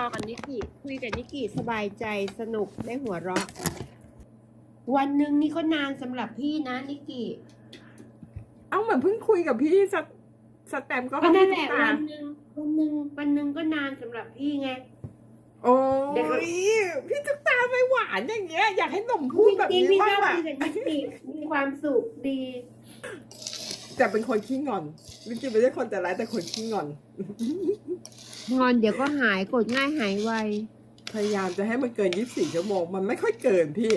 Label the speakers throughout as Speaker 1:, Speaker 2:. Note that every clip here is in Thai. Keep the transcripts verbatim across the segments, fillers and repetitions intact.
Speaker 1: อกับนิกกี้คุยกับนิกกี้สบายใจสนุกได้หัวเราะวันหนึ่งนี่ก็นานสำหรับพี่นะนิกกี้
Speaker 2: เอาเหมือนเพิ่งคุยกับพี่สสแตมก็
Speaker 1: ก็นั่นแหละ
Speaker 2: พี่ตุ๊กตา
Speaker 1: วันหนึ่งวันหนึ่งวันหนึ่งก็นานสำหรับพี่ไง
Speaker 2: โอ้
Speaker 1: เด็ก
Speaker 2: ยพี่ตุ๊กตาไม่หวานอย่างเงี้ยอยากให้หนุ่มพูดแบบ
Speaker 1: จริง
Speaker 2: นี้
Speaker 1: ๆพี่ช
Speaker 2: บ้า
Speaker 1: อง บ
Speaker 2: อะ
Speaker 1: คุยกับนิกกี้มีความสุขดี
Speaker 2: แต่เป็นคนขี้งอนวิกกี้ไม่ใช่คนแต่ร้ายแต่คนขี้งอน
Speaker 1: งอนเดี๋ยวก็หายกดง่ายหายไว
Speaker 2: พยายามจะให้มันเกินยี่สิบสี่ชั่วโมงมันไม่ค่อยเกินพี่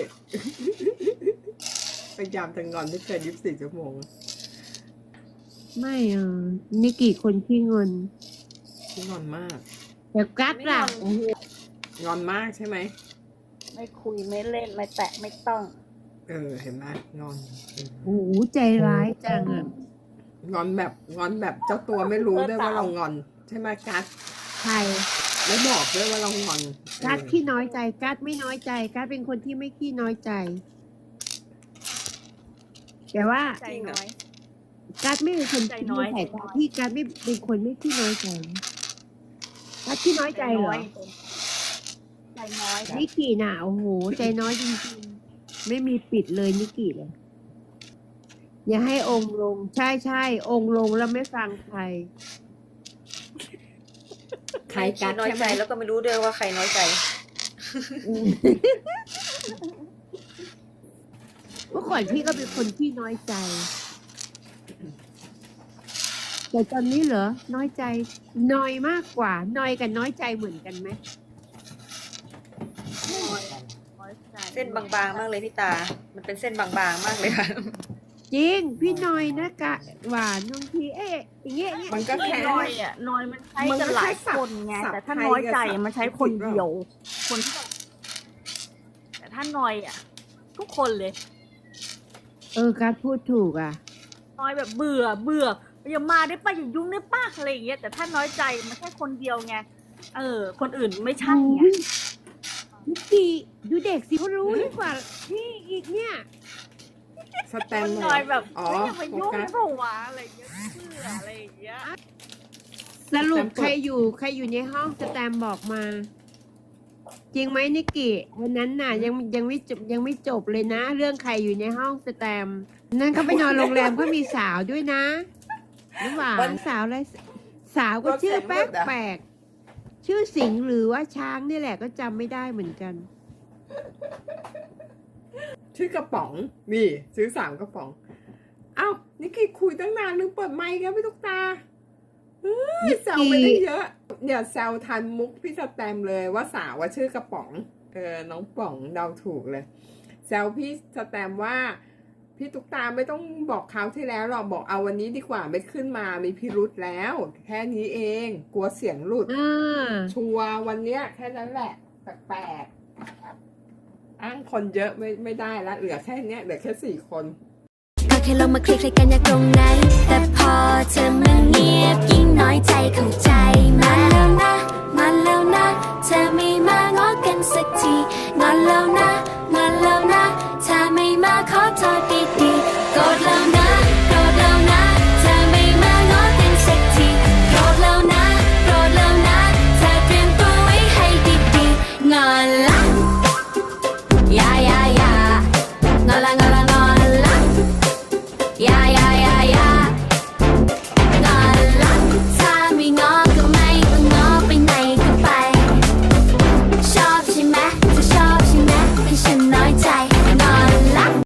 Speaker 2: พยายามจะงอนให้เกินยี่สิบสี่ชั่วโมง
Speaker 1: ไม่เออนิกกี้คนขี้เงิน
Speaker 2: ขี้งอนมาก
Speaker 1: แต่กัดล่ะ
Speaker 3: ไม่งอน
Speaker 2: งอนมากใช่ไหม
Speaker 3: ไม่คุยไม่เล่นไม่แตะไม่ต้อง
Speaker 2: เออเห็นไหมงอนเออ
Speaker 1: โอ้โหใจร้ายจังอ่ะ
Speaker 2: งอนแบบงอนแบบเจ้าตัวไม่รู้ด้วยว่าเรางอน ใช่ไหมกัส
Speaker 1: ใคร
Speaker 2: ไม่บอกด้วยว่าเรางอน
Speaker 1: กัด
Speaker 2: เออ
Speaker 1: ขี้น้อยใจกัดไม่น้อยใจกัดเป็นคนที่ไม่ขี้น้อยใจ แต่ว่า
Speaker 3: ใจน้อย
Speaker 1: กัดไม่เป็นคน
Speaker 3: ใจน้อย
Speaker 1: ใส่
Speaker 3: ใจน้อย
Speaker 1: พี่กัดไม่เป็นคนไม่ขี้น้อยใจกัดขี้น้อยใจเหรอ
Speaker 3: ใจน้อย
Speaker 1: นิกกี้น่ะโอ้โหใจน้อยจริงๆไม่มีปิดเลยนิกกี้เลยอย่าให้องค์ลง ใช่ใช่องค์ลงแล้วไม่ฟังใคร
Speaker 2: ใครกั
Speaker 3: ขี้
Speaker 2: ส
Speaker 3: น้อย
Speaker 2: ใช่ไห
Speaker 3: ใจ
Speaker 2: ม
Speaker 3: แล้วก็ไม่รู้ด้วยว่าใครน้อยใจ
Speaker 1: เมื่อก่อนพี่ก็เป็นคนที่น้อยใจ แต่ตอนนี้เหรอ น้อยใจน้อยมากกว่า น้อยกับน้อยใจเหมือนกันไหม
Speaker 3: เส้นบางๆมากเลยพี่ตา มันเป็นเส้นบางๆมากเลยค่ะ
Speaker 1: จริง พี่น้อยนะกะ หวานบางทีเอ๊ะอย่างเงี้ยอย่างเงี้ย
Speaker 2: มันก็แค่
Speaker 3: น้อยอ่ะน้อยมันใช้กันหลายคนไง
Speaker 2: มันก็แค่สับ
Speaker 3: แต่ถ้า
Speaker 2: สับ
Speaker 3: น้อยใจ
Speaker 2: ไทยกับ
Speaker 3: มันใช้คนเดียว คนที่แต่ถ้าน้อยอ่ะ ทุกคนเลย
Speaker 1: เออการพูดถูกอ่ะ
Speaker 3: น้อยแบบเบื่อเบื่ออย่ามาได้ป่ะอย่ายุ่งได้ป่ะอะไรอย่างเงี้ยแต่ถ้าน้อยใจมันแค่คนเดียวไงเออ คนอื่นไม่ใช่ไง
Speaker 1: นิกกี้ดูเด็กสิเขารู้ดีกว่าพี่อีกเนี่ย
Speaker 2: สแตม
Speaker 3: คน
Speaker 2: ป์
Speaker 3: น้อยแบบ
Speaker 2: อ๋อ
Speaker 3: ไม่อย่ามา
Speaker 2: โฟ
Speaker 3: ยุ่ง
Speaker 2: กัส
Speaker 3: เปล่าวะอะไรอย่างเงี้ยเบื่ออะไรอย่างเงี้ย
Speaker 1: สรุป
Speaker 2: สแตมป์
Speaker 1: ใครอยู่ใครอยู่ในห้องสแตมป์บอกมา จริงไหมนิกกี้วันนั้นน่ะ ยังยังไม่จบยังไม่จบเลยนะ เรื่องใครอยู่ในห้องสแตมป์นั่นเขาไปนอนโรงแรมก็มีสาวด้วยนะน้ำหวานสาวอะไรสาวก็ชื่อแปลกแปลกๆชื่อสิงห์หรือว่าช้างนี่แหละก็จำไม่ได้เหมือนกัน
Speaker 2: ชื่อกระป๋องนี่ซื้อสามกระป๋อง เอ้านิกกี้คุยตั้งนานลืมเปิดไมค์กันพี่ตุ๊กตาเฮ้ย
Speaker 1: นิกกี้
Speaker 2: แซวไปได้เยอะเนี่ยแซวทันมุกพี่สแตมป์เลยว่าสาวว่าชื่อกระป๋องเออน้องป๋องเดาถูกเลยแซวพี่สแตมป์ว่า พี่ตุ๊กตาไม่ต้องบอกคราวที่แล้วหรอกบอกเอาวันนี้ดีกว่าไม่ขึ้นมามีพิรุธแล้ว แค่นี้เองกลัวเสียงหลุด
Speaker 1: อ่า
Speaker 2: ชัวร์วันเนี้ยแค่นั้นแหละแปลกๆอ้างคนเยอะไม่ไม่ได้ละเหลือแค่เนี้ยเหลือแค่สี่คน
Speaker 4: ก็แค่ลงมาคลิกใครกันอยากตรงนั้น แต่พอเธอมาเงียบยิ่งน้อยใจเข้าใจมาแล้วนะ